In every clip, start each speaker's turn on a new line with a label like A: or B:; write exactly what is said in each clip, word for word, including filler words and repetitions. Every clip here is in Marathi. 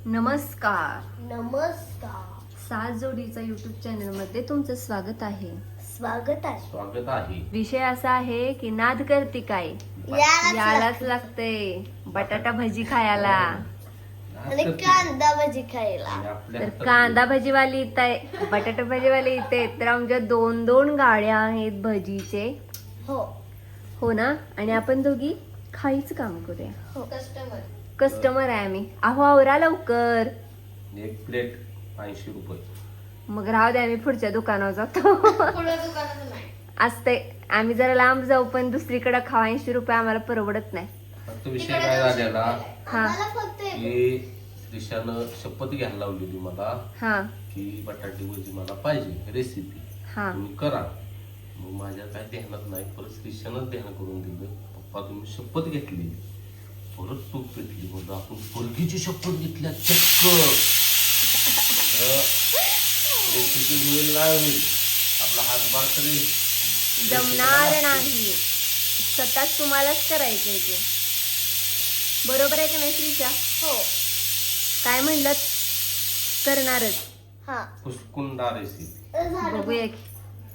A: नमस्कार
B: नमस्कार
A: सात जोडीचा युट्यूब चॅनल मध्ये तुमचं स्वागत आहे.
B: स्वागत आहे.
C: स्वागत आहे.
A: विषय असा आहे की नाद करते काय
B: यालाच
A: यालाच लागते बटाटा भजी खायला.
B: आणि कांदा भजी खायला.
A: तर कांदा भजीवाली इथं आहे, बटाटा भजीवाली इथे आहेत. तर आमच्या दोन दोन गाड्या आहेत भजीचे.
B: हो
A: हो ना. आणि आपण दोघी खायचं काम करूया.
B: हो कस्टमर
A: कस्टमर आहे आम्ही. अहो आवरा लवकर.
C: एक प्लेट ऐंशी रुपये.
A: मग राहू दे आम्ही पुढच्या दुकानावर जातो.
B: पुढे दुकानात नाही
A: असते आम्ही जरा लांब जाऊ पण दुसरीकडे खावा. ऐंशी रुपये आम्हाला परवडत नाही.
C: फक्त विषय काय झालेला
A: हा
B: मला फक्त
C: की दिशानं शपथ घ्यायला लावलेली मला
A: हा
C: की बटाटे भजी मला पाहिजे रेसिपी
A: हा
C: तुम्ही करा. मग माझ्या काय ध्यानात नाही, परत दिशानंच ध्यान करून दिलं. पप्पा तुम्ही शपथ घेतली, परत तूप पेटली. म्हणलं आपण पोलगीची शपथ घेतल्या चक्क. रेसिपी होईल नाही होईल आपला हातभार तरी
A: जमणार नाही. स्वतःच तुम्हालाच करायचंय ते. बरोबर आहे का नाही श्रीषा?
B: हो
A: काय म्हणलं करणारच.
B: हा
C: पुसकुंडा रेसिपी.
A: बघूया की.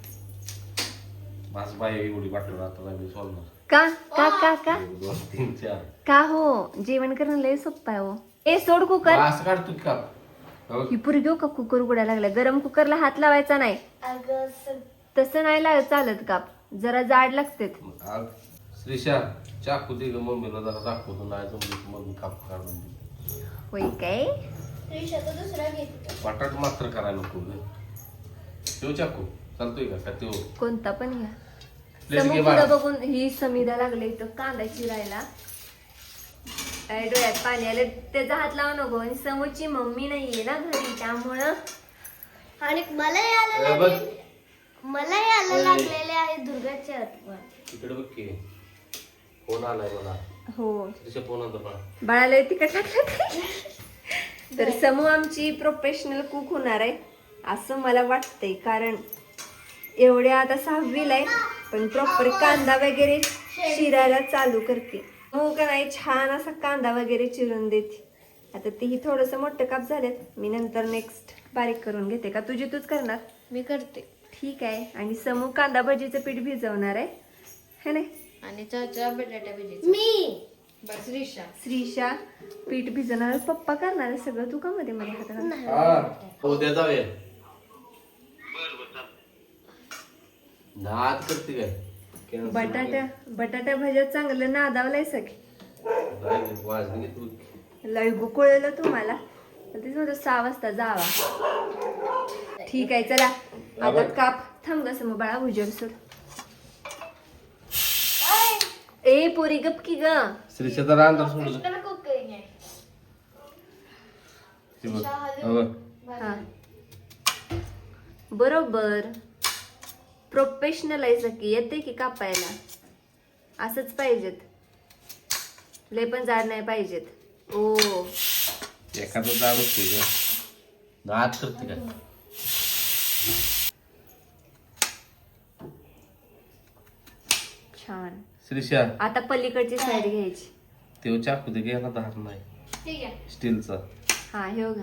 C: माझ बाई एवढी वाटलं आता मी सोडणार.
A: का का का का
C: एक, दोन तीन चार
A: का हो जेवण करणं लय सोपं आहे हो. ए सोड कुकर.
C: असं काढतो का हो?
A: ही पुरी घेऊ का कुकर उघडायला लागला. गरम कुकरला हात लावायचा नाही.
B: अगं स-
A: तसं नाही लाव चालत काप. जरा जाड लागते.
C: आग, श्रीशा चाकू दे ग मम्मीला जरा दाखवतो. नाही जमली मम्मी काप काढून दे.
A: होय काय.
B: त्रिशा तर दुसरा घेत
C: बटाट मात्र करायला नको ग. तो चाकू चालतोय का का तो
A: कोणता पण घ्या.
C: प्लेट
A: समोर
C: घे
A: पुढं
C: बाळा.
A: बघून ही समीदा लागले इथं कांदा चिरायला. काय डोळ्यात पाणी आलं. त्याचा हात लावू नको. आणि समोरची मम्मी नाहीये ना घरी त्यामुळं.
B: आणि मला यायला
C: ए, बघ
B: लागले मला यायला लागलेले आहे दुर्गाचे आठवण.
C: इकडे बघ की फोन आलाय मला.
A: हो
C: श्रीशा फोन आला बा.
A: बाळाला तिकट टाकलं. तर समू आमची प्रोफेशनल कुक होणार आहे असं मला वाटतंय. कारण एवढ्या आता सहावीला आहे पण प्रॉपर कांदा वगैरे चिरायला चालू करते. मग का नाही छान असा कांदा वगैरे चिरून देते. आता तेही थोडस मोठं काप झालेत. मी नंतर नेक्स्ट बारीक करून घेते. का तुझी तूच करणार?
B: मी करते.
A: ठीक आहे. आणि समू कांदा भजीचं पीठ भिजवणार आहे है नाही.
B: आणि चाचा बटाटा भजी मी बस रिशा
A: श्रीशा पीठ भिजवणार. पप्पा करणार आहे सगळं. तू का मध्ये मध्ये हात घाल?
C: हा उद्या जाऊया. नाद करते काय Cancel
A: बटाटा बटाटा भज्या चांगलं नादावलंय सगळी.
C: नाही, नाही, वाजनी घेतो.
A: लय गुकुळलं तुम्हाला. तर तेच म्हणतो सहा वाजता जावा. ठीक आहे चला आता काप. थांब ग समोर बाळा भुजल सोड. ए पोरी गप की ग.
C: श्रीशा जरा अंदर सोडलं. ते बघ. हो बघ.
A: हा बरोबर. प्रोफेशनल आहे सकी. येते की कापायला. असंच पाहिजेत. लय पण जाड नाही पाहिजेत. ओ
C: एखादं जाड असते ग. नाद करते काय.
A: छान.
C: श्रीशा
A: आता पलीकडची साईड घ्यायची.
C: तेव्हा चाकू दे घ्यायला धार नाही
B: ठीक आहे.
C: स्टीलचा.
A: हा हे बघा.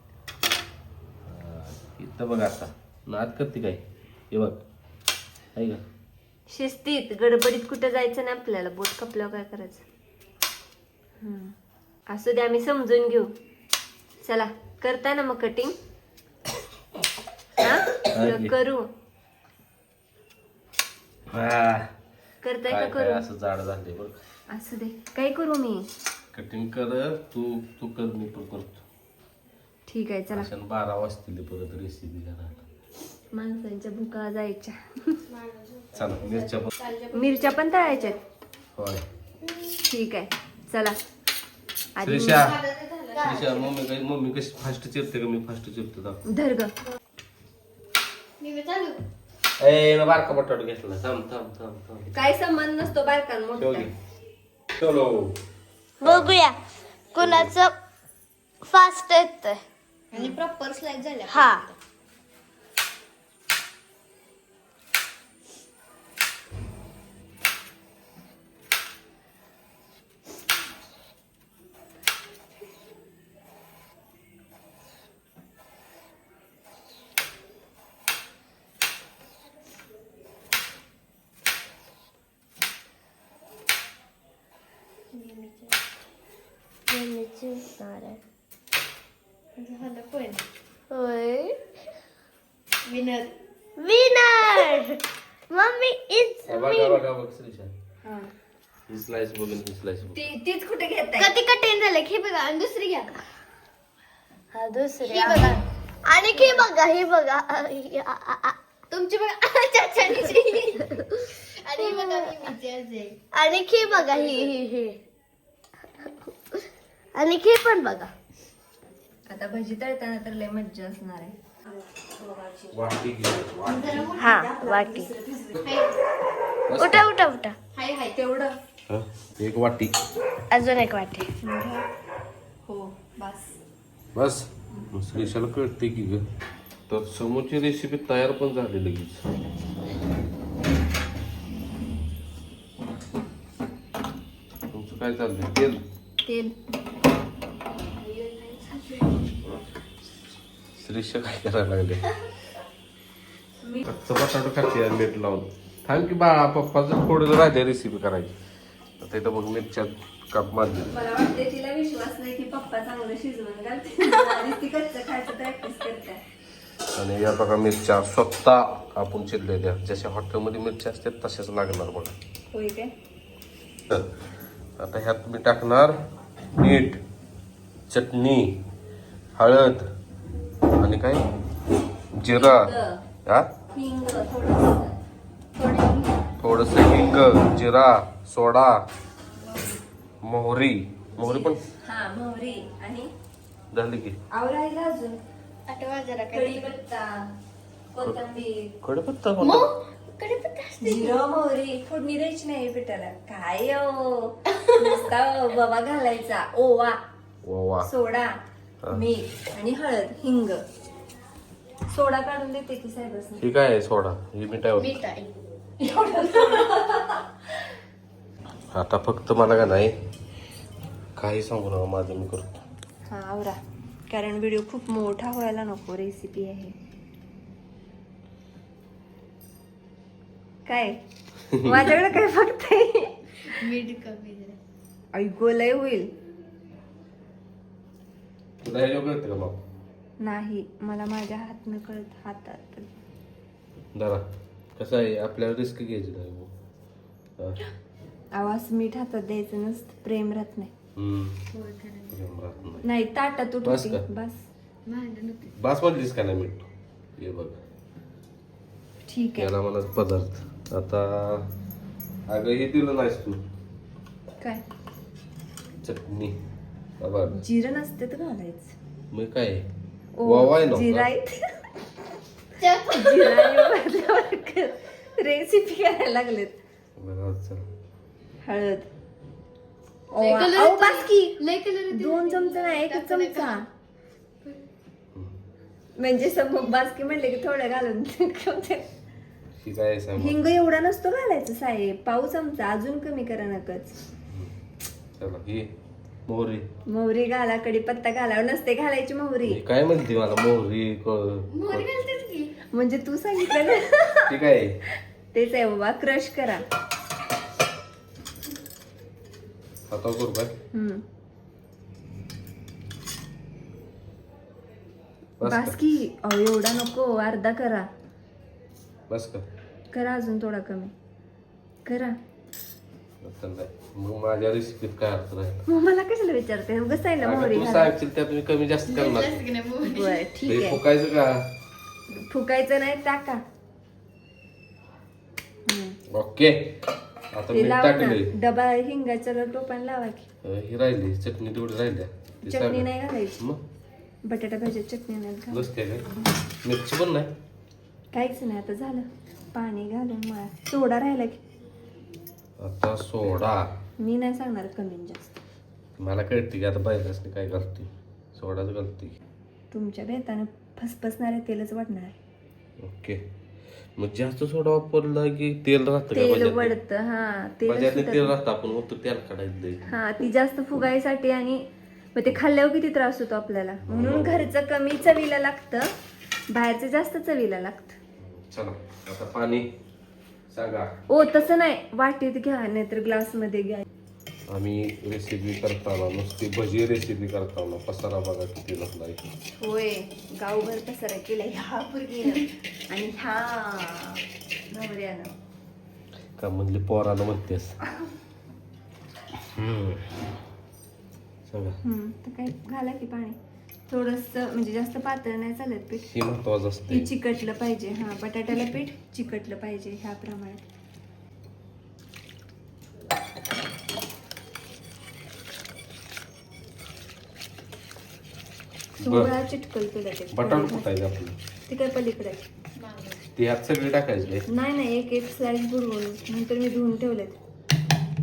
C: इथं बघ आता नाद करते काय. हे बघ आहे का.
A: शिस्तीत गडबडीत कुठं जायचं नाही आपल्याला. बोट कपल्यावर काय करायचं. हम्म. असू दे आम्ही समजून घेऊ. चला करताय ना मग कटिंग.
C: की.
A: करू
C: हा.
A: करताय का
C: काय काय
A: करू.
C: असं जाड झाले बघ.
A: असू दे काय करू मी.
C: कटिंग कर तू तू कर मी पण करतो.
A: ठीक आहे चला.
C: अशा बारा वाजतील परत रेसिपी करायला.
A: माणसांच्या भुका जायच्या.
C: चला मिरच्या पण.
A: मिरच्या पण तळायच्यात.
C: होय
A: ठीक आहे चला. आधी मी-
C: श्रीशा श्रीशा मम्मी काय मम्मी कशी फास्ट चिरते का मी फास्ट चिरतो दाखव.
A: धर ग.
B: मी मी चालू
C: ए ना बारका बटाटा घेतला. थांब थांब थांब थांब.
A: काय संबंध नसतो बारकान
C: ठेव
A: मोठा.
C: घे. चलो
B: बघूया कुणाचं फास्ट येतंय.
A: आणि प्रॉपर स्लाइस झाल्या.
B: हा जिंकणार आहे
D: झालं पण
B: होय
D: विनर
B: विनर मम्मी इज
C: बघा बघा बघ श्रीशा ही स्लाइस बघून ही स्लाइस बघ
A: ती तीच कुठे घेत
D: कधी कठीण झालं हे बघा आणि दुसरी घ्या
B: हा दुसरी
D: ही बघा
B: आणि हे बघा हे बघा आ, आ, आ, आ.
D: तुमची बघा चाचानीची आणि ही बघा मी विचारते
B: आणि हे बघा ही ही हे आणि हे पण बघा
A: आता भजी तळताना तर लय मज्जा असणार आहे.
C: वाटी घे
B: हा वाटी उठा उठा उठा
D: हाय हाय
A: तेवढं
C: हा, एक वाटी
B: अजून एक वाटी
A: हो बस.
C: बस श्रीशाला कळते की ग तर समोरची रेसिपी तयार पण झाली लगेच. तुमचं काय चाललंय तेल
A: तेल
C: श्रीशा काय करायला लागले कच्चा बटाटो खाते यार मीठ लावून. थांब की बाळा पप्पाचं थोडं राहिले रेसिपी करायची. आता इथं बघ मिरच्या काप मारली.
A: मला वाटते तिला विश्वास नाही की पप्पा चांगलं शिजवून घालते आणि ती कच्चं खायचं प्रॅक्टिस करते.
C: आणि या बघा मिरच्या स्वतः आपण चिरलेल्या जशा हॉटेलमध्ये मिरच्या असतात तशाच लागणार बघा.
A: होय काय
C: तर आता ह्यात मी टाकणार मीठ चटणी हळद आणि काय जिरा हा
A: हिंग थोडं थोडं
C: थोडस हिंग जिरा सोडा मोहरी मोहरी पण
A: हा मोहरी आणि
C: झाली की
A: आवरायला अजून
D: आठवा जरा काय
A: कढीपत्ता कोथिंबीर
C: कढीपत्ता
D: कढीपत्ता
A: जिरं मोहरी फोडणी द्यायची नाही पिठाला काय ओ नुसता बाबा घालायचा ओवा
C: वा वा
A: सोडा मीठ आणि हळद हिंग सोडा काढून देते की साहेब
C: ही काय आहे सोडा ही मिठावर
D: मीठ आहे
C: आता फक्त मला का नाही काही सांगू नका माझं मी करतो.
A: हा आवरा कारण व्हिडिओ खूप मोठा व्हायला नको. रेसिपी आहे काय माझ्याकडे काय फक्त
D: मीठ कमी जरा
A: ऐकू लय होईल
C: तुला हे कळतं का मग
A: नाही मला माझ्या हात न कळत हातात
C: जरा कसं आहे आपल्याला रिस्क घ्यायची नाही हो. हा.
A: आवाज मीठ हातात द्यायचं नसतं प्रेम राहत नाही.
C: हम्म. प्रेम राहत नाही.
A: नाही ताटात
C: बस
A: उठते
C: का?
A: बस
D: भांडण होते
C: बास म्हणलीस का नाही मीठ हे बघ
A: ठीक आहे.
C: याला मला पदार्थ आता अगं हे दिलं नाहीस तू
A: काय
C: चटणी बघ
A: जिरं नसते तर घालायचं.
C: मग काय
A: ओ,
C: वावाय
A: जिरा
C: नव्हता
A: रेसिपी करायला लागलेत.
C: बघा चल
A: हळद
D: लय
A: ओवा.
D: color
A: अहो,
D: येतोय.
A: बस की
D: लय कलर
A: दोन चमचा नाही एकच
D: टाकू नका.
A: चमचा म्हणजे समोर बासकी म्हणले की थोडं घालून
C: ही काय आहे सांग
A: हिंग एवढा नसतो घालायचं साहेब पाव चमचा अजून कमी करा नकच.
C: चला ही मोहरी
A: मोहरी घाला कडीपत्ता घाला नसते घालायची मोहरी
C: ही काय म्हणते मला मोहरी क-
D: मोहरी घालतेच की
A: म्हणजे तू सांगितलं ना
C: ती काय आहे?
A: तेच आहे बाबा क्रश करा.
C: हातावर करू काय
A: हम्म
C: बस का
A: बासकी अहो एवढा नको अर्धा करा
C: बस का
A: करा अजून थोडा कमी करा.
C: आता नाही. मग माझ्या रेसिपीत काय अर्थ राहील
A: मग मला कशाला विचारते उगाच आहे ना
C: अगं,
A: मोहरी
C: तू
A: घाला.
C: सांगशील त्यात मी कमी जास्त करणार
D: जास्त की नाही मोहरी
A: बरं ठीक
C: हे
A: आहे
C: फुकायचं का
A: फुकायचं नाही टाका. हम्म.
C: ओके आता
A: ते
C: मीठ
A: लावा ना
C: टाकले
A: डबा हिंगाच्या टोपण लावा की.
C: ही राहिली चटणी तेवढी राहिल्या ती
A: चटणी
C: सांगा.
A: नाही घालायची
C: मग
A: बटाटा भाजी चटणी नाही घालायची.
C: नसते काय मिरची पण नाही
A: काहीच नाही आता झालं पाणी घालून मला सोडा राहिला की
C: आता सोडा
A: मी नाही सांगणार कमी आणि जास्त.
C: मला कळते की आता बायकासनी काय घालते सोडाच घालते
A: तुमच्या बेतानं फसफसणारे तेलच वाटणार आहे.
C: ओके मग जास्त सोडा वापरला की तेल राहतं का
A: तेल
C: भाज्यातलं?
A: वडतं हा तेल
C: भाज्यातलं तेल
A: सुटतं.
C: राहतं आपण मग तेल काढायचं
A: हा ती जास्त फुगायसाठी आणि मग ते खाल्ल्यावर किती त्रास होतो आपल्याला म्हणून घरचं कमी चवीला लागतं बाहेरचं जास्त चवीला लागतं.
C: चला आता पाणी सांगा
A: ओ तसं नाही वाटीत घ्या नाहीतर ग्लास मध्ये घ्या.
C: आम्ही रेसिपी करताना नुसती भजी रेसिपी करताना पसारा बघा किती लागलाय.
A: होय गावभर पसारा केला ह्या पोरगीनं आणि ह्या नवऱ्यानं.
C: का म्हणली पोराला म्हणतेस. हम्म. सांगा
A: हम्म, तर काय घाला की पाणी थोडस, म्हणजे जास्त पातळ नाही चालत पीठ.
C: ही महत्वाचं
A: ती
C: असते.
A: चिकटलं पाहिजे. हा बटाट्याला पीठ चिकटलं पाहिजे ह्या प्रमाणात. सोळा चिटकल तुला ते
C: बटाट कुठायचे आपलं
A: ते काय पलीकडे
C: ते ह्यात सगळे टाकायचे.
A: नाही नाही एक एक स्लाइस बुडवून नंतर मी धुवून ठेवलेत.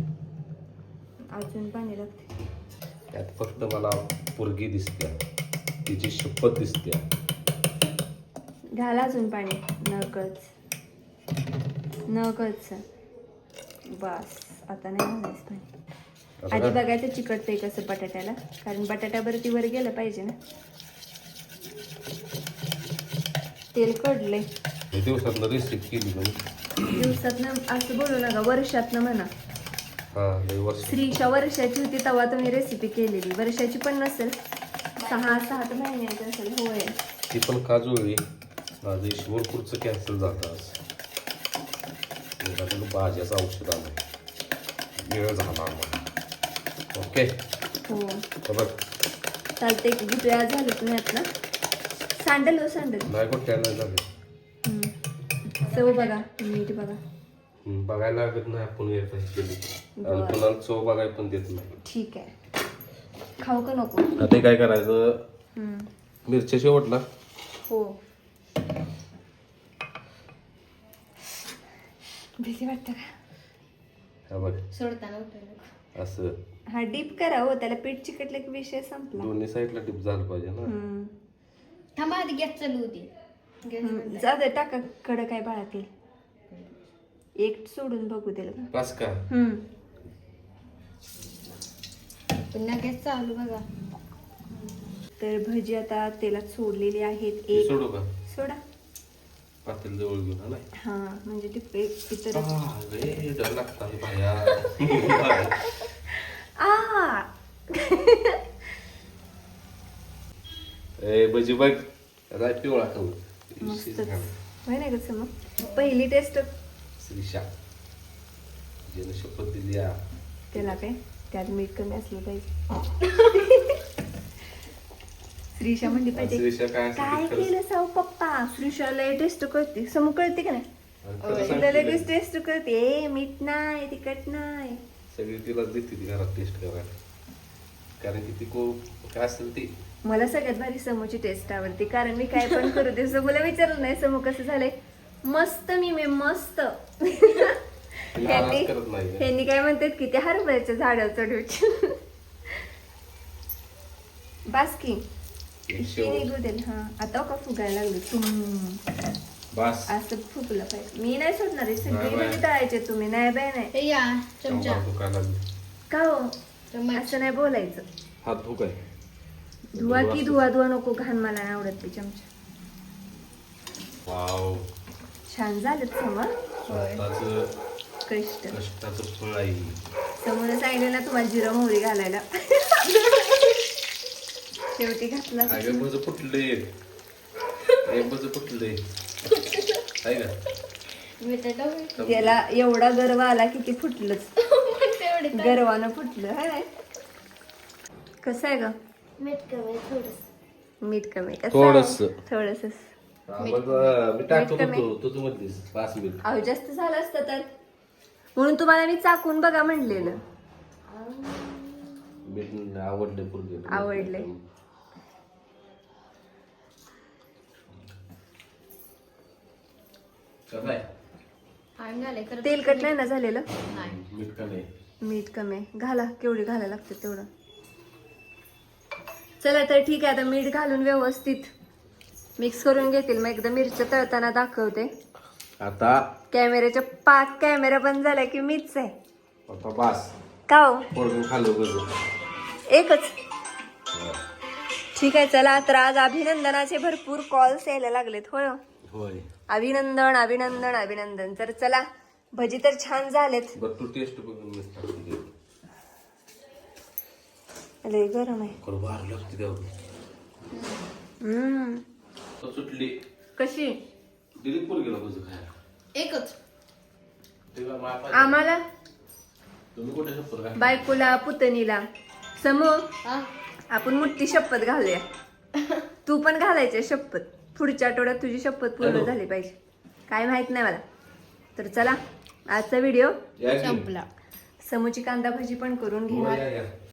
A: अजून पाणी लागते.
C: त्यात फक्त मला पोरगी दिसते, तिची शपथ दिसते.
A: घाला अजून पाणी नकळच नकळच. बस आता नाही घालायचं पाणी. आधी बघायचं चिकटतंय कसं बटाट्याला, कारण बटाट्यावरती वर गेलं पाहिजे ना. तेल कडलंय.
C: दिवसात रेसिपी केली तुम्ही.
A: दिवसातनं असं बोलू नका, वर्षातनं म्हणा.
C: हा लय वर्ष.
A: श्रीशा वर्षाची होती तेव्हा तुम्ही रेसिपी केलेली. वर्षाची पण नसेल, सहा सात महिन्याची असेल. होय
C: ती पण का जुळली. माझं ईश्वरपूरचं कॅन्सल झालं आज. माझ्याकडे भाज्याचं औषध आलं, वेळ झाला आम्हाला. ओके
A: हो
C: बघ
A: चालते. गुटळ्या झालं तुम्ही आत ना. सँडल हो सँडल.
C: नाही गोट्याला झालं.
A: चव बघा, मीठ बघा.
C: हम्म, बघायला लागत नाही आपण हे केली. आणि
A: बरं.
C: कुणाला चव बघायला पण देत नाही.
A: ठीक आहे. खाऊ का नको.
C: आता काय करायचं,
A: हम्म.
C: मिरच्या शेवटला.
A: हो भीती वाटतं का.
C: हा बघ
D: सोडताना उठवलं.
C: असं
A: हा डीप करा हो, त्याला पीठ चिकटलं की विषय संपला.
C: दोन्ही साईडला टिप झालं पाहिजे ना.
A: हम्म.
D: थांबा आधी गॅस चालू होती.
A: हम्म. जाऊ दे टाका कडं काय बाळातील. एक सोडून बघू दिलं का.
C: बस का.
A: हम्म.
D: पुन्हा गॅस चालू बघा.
A: तर भजी आता तेलात सोडलेली आहेत.
C: हे
A: एक
C: सोडू का
A: सोडा.
C: पातेल जवळ घेऊन हा ना.
A: हा म्हणजे ते एक इतर
C: आ, रे डर लागता हे बाया.
A: आ
C: ए भजी बघ राय पिवळा खाऊ.
A: मस्तच होय नाही कसं मग. पहिली टेस्ट
C: श्रीशा ज्यानं शपथ दिली आ.
A: त्याला काय त्यात मीठ कमी असलं पाहिजे. श्रीशा म्हणली पाहिजे
C: श्रीशा काय असं
A: काय
C: ते खरंच-
A: केलं साव पप्पा. श्रीशाला टेस्ट करते, समोर कळते का नाही.
C: आणि खरं
A: तिला
C: सांगते
A: लगेच
C: लगेच.
A: टेस्ट करते. ए मीठ नाही तिखट नाही.
C: सगळी तिलाच देते ती घरात टेस्ट करायला, कारण की ती को काय असेल ती.
A: मला सगळ्यात भारी समूची टेस्ट आवडते, कारण मी काय पण करू दे समूला विचारलं नाही समू कसं झालंय. मस्त मी मी मस्त.
C: तिला
A: त्यांनी
C: आराम करत नाही का?
A: त्यांनी काय म्हणतात की ते हरभऱ्याच्या झाडावर चढवायचे. बास की
C: एक
A: ही
C: शेव.
A: निघू दे. हा आता का फुगायला लागली तुम
C: बस
A: असं फुगलं पाहिजे. मी नाही सोडणार आहे.
C: नाही
A: सगळी
C: बाय.
A: म्हणजे तळायचे तुम्ही. नाही बाय नाही.
D: हे या चमचा.
C: कंबर दुखायला लागली.
A: का हो
D: चम्मच.
A: असं नाही बोलायचं.
C: हात धुक आहे.
A: धुवा की धुवा धुवा नको. घाण मला नाही आवडत ते चमचा.
C: वाव
A: छान झालं समोर.
C: स्वतःचं
A: कष्ट
C: कष्टाचं फळ आहे.
A: समोर सांगितलं ना तुम्हाला जिरं मोहरी घालायला. शेवटी घातला.
C: अगं बज फुटले हे बज फुटले आहे का.
D: बटाटा
A: त्याला एवढा गर्व आला की ते फुटलंच.
D: तेवढे
A: गर्वानं फुटलं. हाय कसं आहे ग.
B: मीठ कमी थोडस.
A: मीठ कमी कसं
C: थोडंसं.
A: थोडस.
C: मी टाकत
A: मीठ कमी.
C: होतो तू म्हणलीस पाच मिनिट.
A: अहो जास्त झालं असतं तर म्हणून तुम्हाला मी चाकून बघा म्हणलेलं.
C: मीठ आवडले पूर्ण
A: आवडले.
C: कसं आहे
D: पाणी घालाय खरं.
A: तेलकट नाही ना झालेलं.
D: नाही.
C: मीठ का नाही.
A: मीठ कमी आहे. घाला केवढी घालायला लागते तेवढं. चला तर ठीक आहे. आता मीठ घालून व्यवस्थित मिक्स करून घेतील. मग एकदा मिरच्या तळताना दाखवते.
C: आता
A: कॅमेऱ्याच्या पाच कॅमेरा बंद झाला की मीच आहे.
C: आता बास
A: का हो
C: पोरगं खाल्लं बघ.
A: एकच. ठीक आहे चला तर आज अभिनंदनाचे भरपूर कॉल्स यायला लागलेत. होय
C: होय.
A: अभिनंदन अभिनंदन अभिनंदन. तर चला भजी तर छान झालेत.
C: बरं तू टेस्ट बघून मीठ टाकून दे.
A: लय गरम आहे.
C: खरं बाहेर लागते तेवढं.
A: हम्म.
C: तर सुटली
A: कशी
C: दिली पोरगीला कसं खायला
D: एकच.
C: तेव्हा माय
A: आम्हाला
C: तुम्ही कुठे शपथ घातली?
A: बायकोला पुतणीला समो
D: हा
A: आपण मोठी शपथ घालूया. तू पण घालायची शपथ. पुढच्या आठवड्यात तुझी शपथ पूर्ण
C: हॅलो.
A: झाली पाहिजे. काय माहित नाही मला. तर चला आजचा व्हिडिओ
C: या की.
D: संपला.
A: समूची कांदा भाजी पण करून
C: हो,
A: घेणार.
C: या, या.